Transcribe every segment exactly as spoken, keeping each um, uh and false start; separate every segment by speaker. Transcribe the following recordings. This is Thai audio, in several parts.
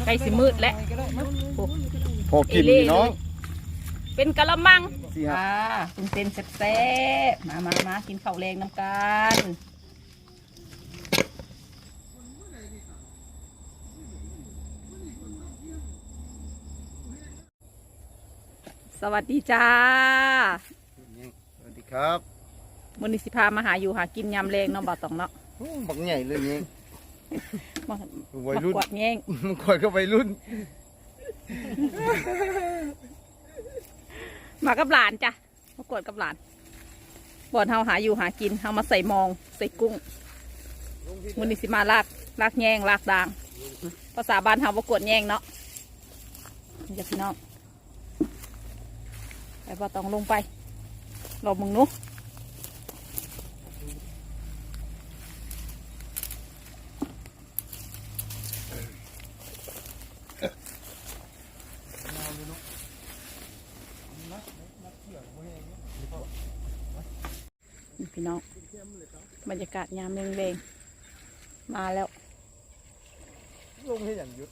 Speaker 1: ใกล้สิมืดแล้ว
Speaker 2: พอกินพี่น้อง
Speaker 1: เป็นกะละมังอ่าเป็นเป็นแซ่บๆมามามากินข้าวแรงน้ำกันสวัสดีจ้า
Speaker 2: สวัสดีครับ
Speaker 1: มื้อนี้สิพามาหาอยู่หากินยำแรงเนาะบ่าวตองเนาะ
Speaker 2: บักใหญ่เลยนี่
Speaker 1: มาวัยรุ่นกวาดแง่ง
Speaker 2: มันกวาดก็วัยรุ่น
Speaker 1: มากับหลานจ้ะมากวดกับหลานบ่อนเฮาหาอยู่หากินเฮามาใส่มองใส่กุ้งมื้อนี้สิมาลากลากแง่งลากด่างภาษาบ้านเฮาบ่กวดแง่งเนาะอย่าพี่น้องไปบ่ต้องลงไปรอมึงนุ๊พี่น้องบรรยากาศยามเร่งๆมาแล้ว
Speaker 2: ลงให้อย่างยุด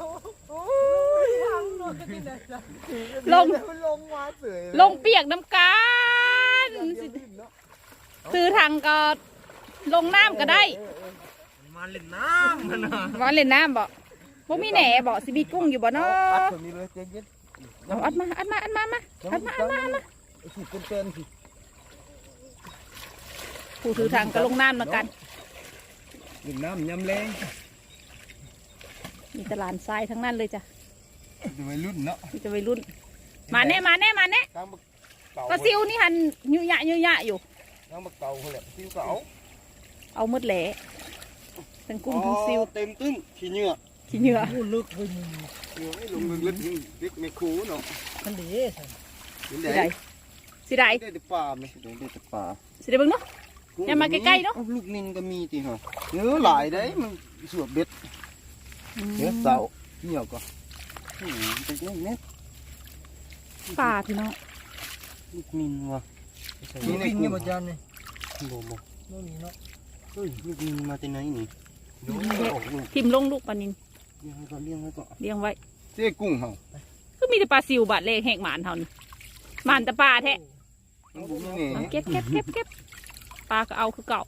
Speaker 1: ลง
Speaker 2: ลงมาเสย
Speaker 1: ลงเปียกน้ำกันซื้อทางก็ลงน้ำก็ได้
Speaker 2: มาเล่นน้ำมันนะ
Speaker 1: มาเล่นน้ำบ่บ่มีแหน่บ่สิมีกุ้งอยู่บ่เนาะเอาอัดมาอัดมาอัดมามาอัดมาอัดมาอัดมาผู้ถือทางก็ลงน้ำเหมือนกัน
Speaker 2: เล่นน้ำยำแรง
Speaker 1: มีตลาดทรายทั้งนั้นเลยจ้ะ
Speaker 2: จะวัยรุ่นเนาะ
Speaker 1: มีจะวัยรุ่นมาแน่มาแน่มาแน่ก็ซิวนี่หันยุ่ยยะยุ่ยยะอยู่
Speaker 2: น้ำบักเต่าเขาแหละซิวเต่า
Speaker 1: เอามืดแหล่ทั้งกุ้งทั้งซิว
Speaker 2: เต็มตึ้งขี้เหงื่อ
Speaker 1: ขี้เหงื่อ
Speaker 2: ลึกเลยเหงื่อไม่ลงลึกเล็กไม่คูเนาะ
Speaker 1: มันดีสิได้สิได้
Speaker 2: ได้แต่ปลาไม่ได้แต่ปลา
Speaker 1: สิได้เบิ่งเนาะอย่ามาใกล้ๆเนาะ
Speaker 2: ลูกนินก็มีทีเหรอเนื้อหลายได้มันสวบเบ็ดเนื้อเต่าเหนียวก็เป็นเล็กเน็ต
Speaker 1: ปลาพี่น้อง
Speaker 2: ลูกนินวะ
Speaker 3: ลูกนินนี่บ่จันนี่
Speaker 2: โบโบ
Speaker 3: นู่นนี่เนาะ
Speaker 2: เฮ้ยลูกนินมาจากไหนนี่
Speaker 1: ทิมลงลูกปลานิน
Speaker 2: เลี้ยงไว้ก่อนเลี้ยงไว้ก่อน
Speaker 1: เลี้ยงไว้
Speaker 2: เจ๊กุ้งเหรอ
Speaker 1: ก็มีแต่ปลาซิวบาดเล่แหกหมานเท่านี้หมานแต่ปลาแท้เก็บเก็บเก็บเก็บปลาก็เอาคือเก่า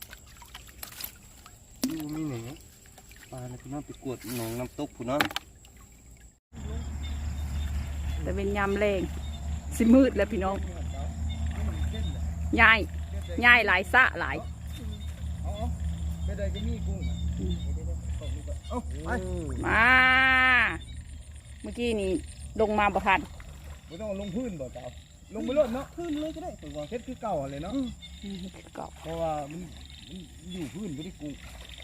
Speaker 2: ไม่เหนียวปลาเนี่ยพี่น้องไปกวดหนองน้ำตกพี่น้อง
Speaker 1: แต่เป็นยำแรงสิมืดแล้วพี่น้องย่ายย่ายหลายสะหลายมาเมื่อกี้นี่ลงมาบ่ทัน
Speaker 2: ไม่ต้องลงพื้นบ่เจ้าลงไปรถเนาะพื้นเลยก็ได้ผมว่าเพชรคือเก่าเลยเนาะ
Speaker 1: เก่า
Speaker 2: เพราะว่ามันอยู่พื้นไม่ได้กู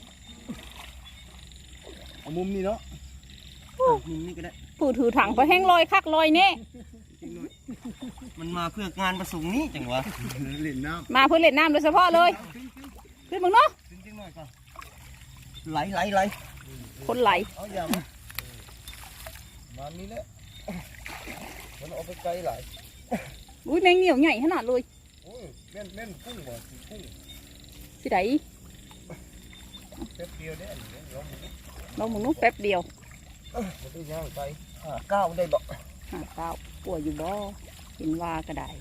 Speaker 2: เอามุมนี้เนาะมุมนี้ก็ได้
Speaker 1: ผู้ถือถังไปแห้งลอยคักลอยเน่
Speaker 2: มันมาเพื่องานประสงค์นี้จังวะเล่นน้
Speaker 1: ำมาเพื่อเล่นน้ำโดยเฉพาะเลยขึ้นมึงเนาะ
Speaker 2: ไหลไหลไหล
Speaker 1: คนไหล
Speaker 2: เอาอย่างมานี้แหละมันเอาไปไกลไหล
Speaker 1: อุ้ยแมงเหนียวใหญ่ขนาดเลย
Speaker 2: โอ้ยแม่นแม่นกุ้งว่ะกุ้ง
Speaker 1: สิไหน
Speaker 2: แป๊บเดียวได้
Speaker 1: เราหมุนนุ๊กแป๊บเดียว
Speaker 2: มันได้ย่างไปห้าเก้าได้บ่
Speaker 1: ห้าเก้าป่วยอยู่บ่เห็นว่าก็ได้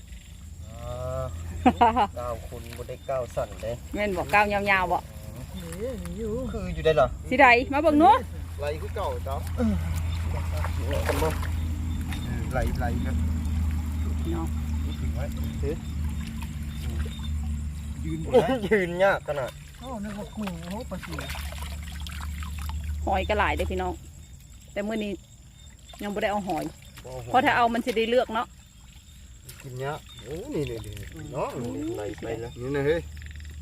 Speaker 2: เก้าคนบ่ได้เก้าสั่นเลย
Speaker 1: แม่นบอกเก้ายาวๆบ่
Speaker 2: คืออยู่ได้เหรอ
Speaker 1: สิไหนมาเบิ่งนู้
Speaker 2: ไหลคือเก่าเจ้าไหลไหลนะ
Speaker 1: เนาะ
Speaker 2: ถึงไว้ยืนยืนยากขนาด
Speaker 3: โอ้นึกว่ากุ้งโอ้ปลาซิว
Speaker 1: หอยก็หลายเลยพี่น้องแต่เมื่อนี้ยังไม่ได้เอาหอยเพราะถ้าเอามันจะได้เลือกเนาะ
Speaker 2: กินเนี้ยโอ้นี่นี่นี่เนาะไหลไปแล้วนี่นะเฮ้ย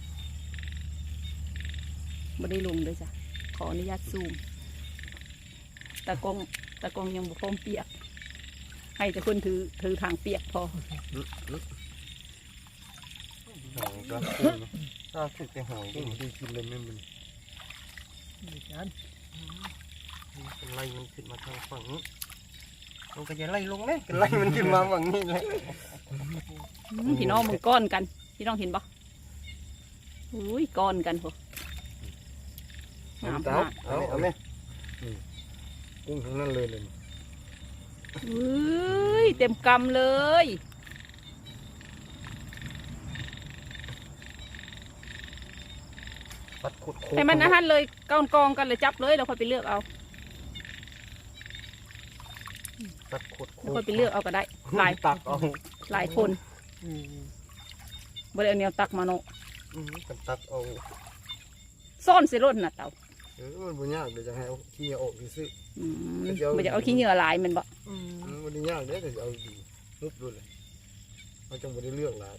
Speaker 1: ไม่ได้ลงเลยจ้ะขออนุญาตซูมตะกงตะกงยังบุกพร้อมเปียกให้แต่คนถือถือทางเปียกพอ
Speaker 2: หอยก็ถ้าถึงแต่หอยก็ดีกินเลยไม่มันไล่มันขึ้นมาทางฝั่งนี้มันก็จะไล่ลงเลยไล่มันขึ้นมาฝั่งนี้เลย
Speaker 1: พี่น้องมึงก้อนกันพี่น้องเห็นปะอุ้ยก้อนกันพอ
Speaker 2: งามมากเอาเอาไหมกุ้งทั้งนั้นเลยเลย
Speaker 1: เฮ้ยเต็มกำเลย
Speaker 2: ปัดขุด
Speaker 1: ให้มันอาหารเลยกองกองกันเลยจับเลยเราค่อยไปเลือกเอา
Speaker 2: ปัดขุด
Speaker 1: เราค่อยไปเลือกเอาก็ได้หลาย
Speaker 2: ตักเอา
Speaker 1: หลายคนบ่ได้เอาแนวตักมาเนาะ
Speaker 2: กันตักเอา
Speaker 1: ซ่อนใส่รถน่ะเต่า
Speaker 2: เออมันบ่ยากเดี๋ยวจะให้เอาขี้ออกซื้อ
Speaker 1: อืมบ่จะเอาขี้เหงื่อหลายแมันบ่
Speaker 2: มันบ่ยากเด้แต่จะเอาดีมุบด้วยเลยเราจังบ่ได้เลือกหลาย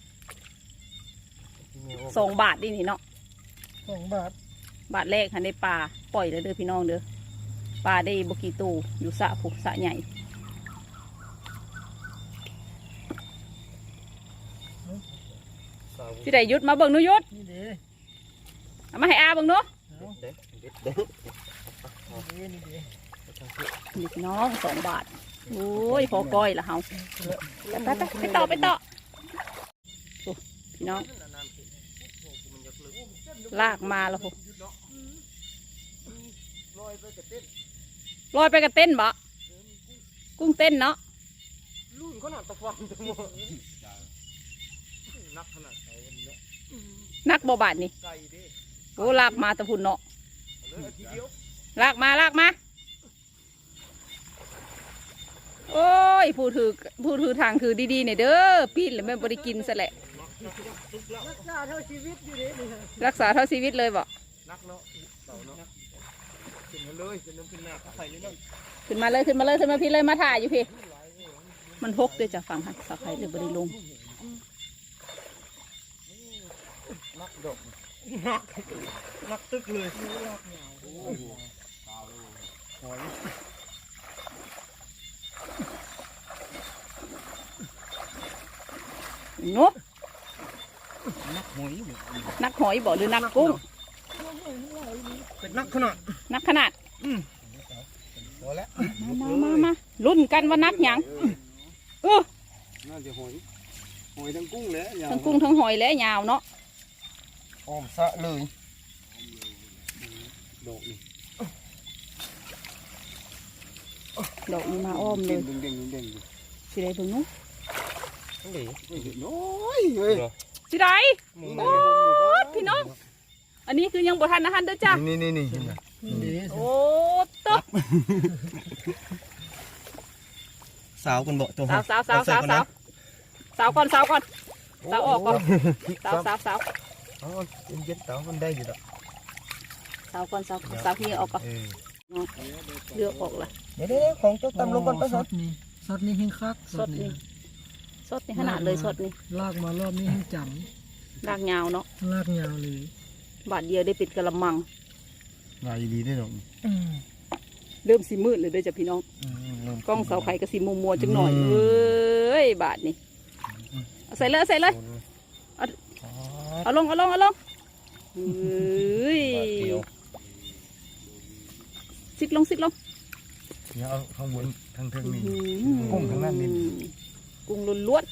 Speaker 1: สองบาทนี่นี่เนาะ
Speaker 3: สองบาท
Speaker 1: บาทแรกหันได้ปลาปล่อยเลยเด้อพี่น้องเด้อปลาได้บกี่ตูอยู่สระผูกสระใหญ่พี่ได้ยุดมาเบิ่งหนุยุด
Speaker 3: นี่เด้
Speaker 1: เอามาให้อาเบิ่งหนุ
Speaker 2: เด็ดเด็ดเด็ด
Speaker 3: นี่นี่เด้
Speaker 1: นี่พี่น้องสองบาทโอ้ยพอก้อยละเฮาไปไปไปต่อไปต่อโอ้พี่น้องลากมาแล้วพอลอยไปกับเต้นบ่กุ้งเต้นเนาะ
Speaker 2: รุ่นขนาดตะฟังตะโมนักขนาดไหนวันนี้เนาะ
Speaker 1: นักบ่บาทนี่
Speaker 2: ไก่ดิ
Speaker 1: โอ้ลากมาตะพุ่นเนาะ
Speaker 2: เลยทีเดียว
Speaker 1: ลากมาลากมาโอ้ยผู้ถือผู้ถือทางคือดีๆเนี่ยเด้อปีนแล้วแม่บริกินซะแหละ
Speaker 3: รักษาเท่าชีวิตอยู่เด้นี่ฮะ
Speaker 1: รักษาเท่าชีวิตเลยบ่
Speaker 2: นักเนาะเต่าเนาะขึ้นมาเลยขึ้นน้ำขึ้นหน้าเขาใส่อยู่นั่น
Speaker 1: ขึ้นมาเลยขึ้นมาเลยขึ้นมาพี่เลยมาถ่ายอยู่พี่มันพกด้วยจากฝั่งหันสาวไข่เลยบริลง
Speaker 2: นักดอกนักนักตึกเลยหอย
Speaker 1: เนาะ
Speaker 2: นักหอย
Speaker 1: นักหอยบ่หรือนักกุ้ง
Speaker 2: เป็นนักขนาด
Speaker 1: นักขนาด
Speaker 2: พอแล้ว
Speaker 1: มามามาลุ้นกันว่านักหยังเออ
Speaker 2: น่าจะหอยหอยทั้งกุ้งเลย
Speaker 1: ทั้งกุ้งทั้งหอยและยาวเนาะ
Speaker 2: อ้อมสะเลยดอกนี่
Speaker 1: ดอกนี้มาอ้อมเลย
Speaker 2: เด้งเด้งเด้ง
Speaker 1: สิได้เบิ่งเนาะ
Speaker 2: เด้งน้อยเฮ้ย
Speaker 1: สิได้โอ้พี่น้องอันนี้คือยังบ่ทันอาหารเด้อจ้ะ
Speaker 2: นี่นี่นี่
Speaker 3: นี่เด้
Speaker 1: โอ้ตบ
Speaker 2: สาวกันบ่ตัว
Speaker 1: สาวสาวสาวสาวสาวสาวก่อนสาวก่อนสาวออกก่อนสาวสาวสาว
Speaker 2: อ๋อเย็นๆสาวมันได้อยู่ดอก
Speaker 1: สาวก่อนสาวสาวที่ออกก่อน
Speaker 2: เออ
Speaker 1: เลือกออกละ
Speaker 2: เดี๋ยวๆของเจ้าตำลงก่อนไป
Speaker 3: ส
Speaker 2: ครั
Speaker 3: ดนี่สดนี่เฮงคัก
Speaker 1: สดนี่สดนี่ขนาดเลยสดนี่
Speaker 3: ลากมารอบนี้เฮงจ
Speaker 1: รากยาวเนาะ
Speaker 3: ำลากยาวเลย
Speaker 1: บาทเดียวได้ปิดกระมัง
Speaker 2: ลายดีได้ดอก
Speaker 1: เริ่มสีมืดเลยเด้อจ้ะพี่น้องกล้องเสาไข่ก็สีมัวมัวๆจังหน่อยเอ้ยบาทนี่เอาใส่เลยเอาใส่เลยเอาลงเอาลงเอาลงเอ้ยซิกลงซิกลง
Speaker 2: เนี่ยเอาข้างบนทางเทิงนี่
Speaker 1: อื้อ
Speaker 2: กุ้งทั้งนั้นนี่
Speaker 1: กุ้งล้วน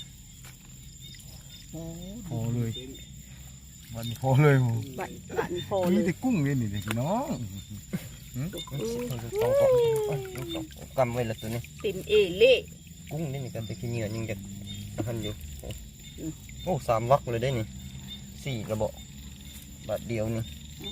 Speaker 2: พอเลยวันนี้พอเลยหมู
Speaker 1: ๆบาทบาทนี่พอเล
Speaker 2: มี
Speaker 1: ย
Speaker 2: แต่กุ้งเลยนี่เด็กน้อง
Speaker 4: กำไว้ละตัวนี้
Speaker 1: เต็มเอเล่
Speaker 4: กุ้งนี่นี่กันแต่ขี้เหนียวยังจะหันอยู่โอ้สามวักเลยได้นี่สี่ระเบาะบาทเดียวนี่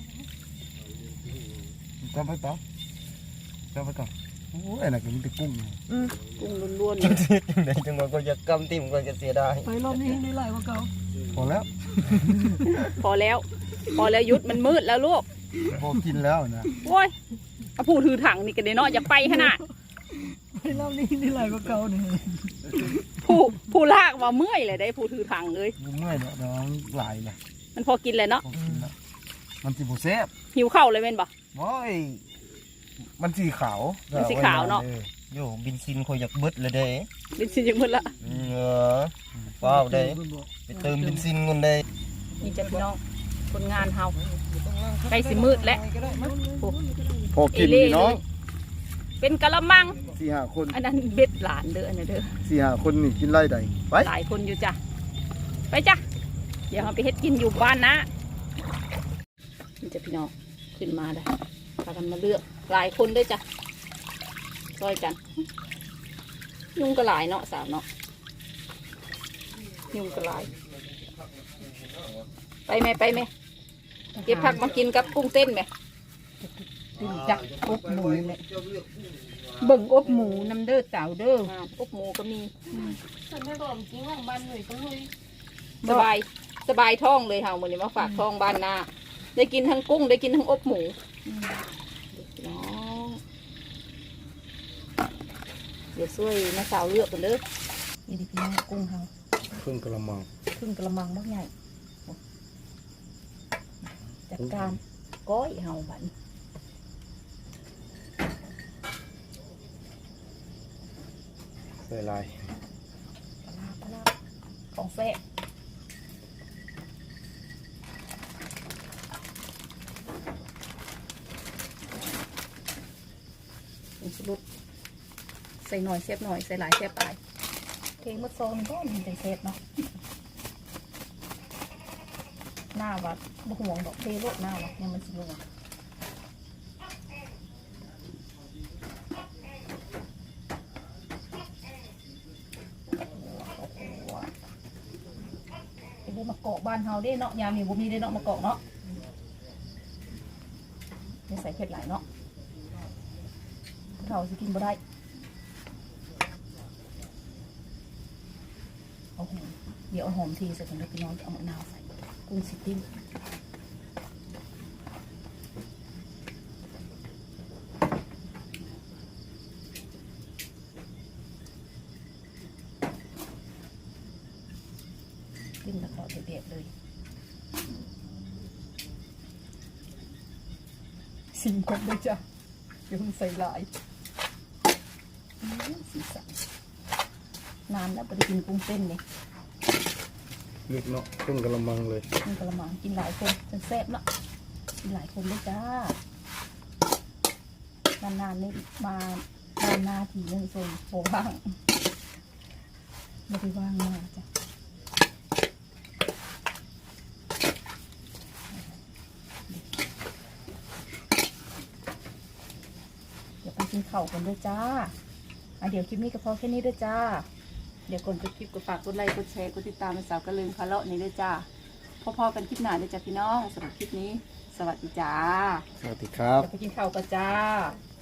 Speaker 2: จับไปต่อจับไปก่อนโอ้ยอันนั้นก็มีแต่กุ้ง
Speaker 1: กุ้งล้วนๆ
Speaker 4: จั
Speaker 1: เลย
Speaker 4: งไดจังว่าก็จะกำติ่มก็จะเสียดาย
Speaker 3: ไปรอบนี้เฮงได้หลายกว่าเก่า
Speaker 2: พอแล้ว
Speaker 1: พอแล้ว พอแล้วยุดมันมืดแล้วลูก
Speaker 2: พอกินแล้วนะ
Speaker 1: โอ้ยเอาผู้ถือถังนี่กันเนาะอย่าไปขนาด
Speaker 3: ไปรอบนี้เฮงได้หลายกว่าเก่าเนี่ย
Speaker 1: ผู้ผู้ลากว่าเมื่อยเลยได้ผู้ถือถังเลย
Speaker 2: เมื่อยเนาะน้องหลายเลย
Speaker 1: มันพอกินเลยเนาะ
Speaker 2: พอกินแล้วมันสีบุแซ่บ
Speaker 1: หิวข้าวเลยเม่นบ่
Speaker 2: โอ้ยมันสีขาว
Speaker 1: มันสีขาวเนาะ
Speaker 4: โย่บินซินคอยอยากเบิดเลยเด้
Speaker 1: เป็นสิ่งอย่างมืดละ
Speaker 4: เออว้าวเด้ไปเติมบินซินกันเด้
Speaker 1: นี่จะพี่น้องคนงานเฮาใกล้สิมืดแล้วโอ้
Speaker 2: พอกินนี่น้อง
Speaker 1: เป็นกะละมัง
Speaker 2: สี่ห้าคน
Speaker 1: อันนั้นเบ็ดหลานเด้ออันนั้นเด้อ
Speaker 2: สี่ห้าคนนี่กินไล่ใดไป
Speaker 1: หลายคนอยู่จ้ะไปจ้ะเดี๋ยวเราไปเฮ็ดกินอยู่บ้านนะนี่จะพี่น้องขึ้นมาได้พากันมาเลือกหลายคนด้วยจ้ะซอยกัน ยุงกระหลายเนาะสาวเนาะยุงกระหลาย ไปไหมไปไหมเก็บผักมากินกับกุ้งเต้นไหม
Speaker 5: ติดจักอบหมูเลยเบิ่งอบหมูน้ำเด้อสาวเด้อ
Speaker 1: อ่าอบหมูก็มี
Speaker 5: ฉันไม่บอกจริงว่าบ้านหน่วยต้องเลย
Speaker 1: สบายสบายท้องเลยเฮามื้อนี้มาฝากท้องบ้านนาได้กินทั้งกุ้งได้กินทั้งอบหมูน้องเดี๋ยวช่วยน้าสาวเลือกกันเด้อ
Speaker 5: นี่ดิพี่น้องกุ้งเฮา
Speaker 4: ครึ่งกระมัง
Speaker 5: ครึ่งกระมังบักใหญ่จัดการก้อยเฮาบัดนี้
Speaker 4: ใส่ลาย
Speaker 5: ปลาปลาของแซ่บเป็นสรุปใส่หน่อยแซ่บหน่อยใส่หลายแซ่บหลายเทมดซองมันก็มันจะแซ่บเนาะหน้าวัดบ่ห่วงดอกเทโลดหน้าวัดเนี่ยมันสิห่วงไปดูมะกอกบ้านเฮาเด้เนาะยามมีบ่มีได้เนาะมะกอกเนาะไม่ใส่เผ็ดหลายเนาะเขาสิกินบ่ได้เอาหอมเดี๋ยวเอาหอมทีใส่ก่อนแล้วพี่น้องจะเอามะนาวใส่กุ้งสิติ้มติ้มแล้วก็เด็ดๆเลยสิมครบด้วยจ้ะเดี๋ยวมันใส่หลายอื้อสีสันนานแล้วไปกินกุ้งเต้นเลย
Speaker 4: ลึกเนาะครึ่งกระมังเลย
Speaker 5: มันกระมังกินหลายคนจนแซ่บเนาะกินหลายคนเลยจ้านานๆนี่มาบ้านหน้าทีนึงโซนโผว่างไม่ได้ว่างมากจ้ะเดี๋ยวไปกินข้าวกันด้วยจ้าอ่ะเดี๋ยวคลิปนี้ก็พอแค่นี้ด้วยจ้า เดี๋ยวก่อนจบคลิปก็ฝากกดไลค์กดแชร์กดติดตามเป็นสาวกระลืมคาเลาะนี้ด้วยจ้าพอๆกันคลิปหน้าด้วยจ้าพี่น้องสำหรับคลิปนี้ สวัสดีจ้า
Speaker 2: สวัสดีครับ
Speaker 5: เดี๋ยวไปกินข้าวกันจ้า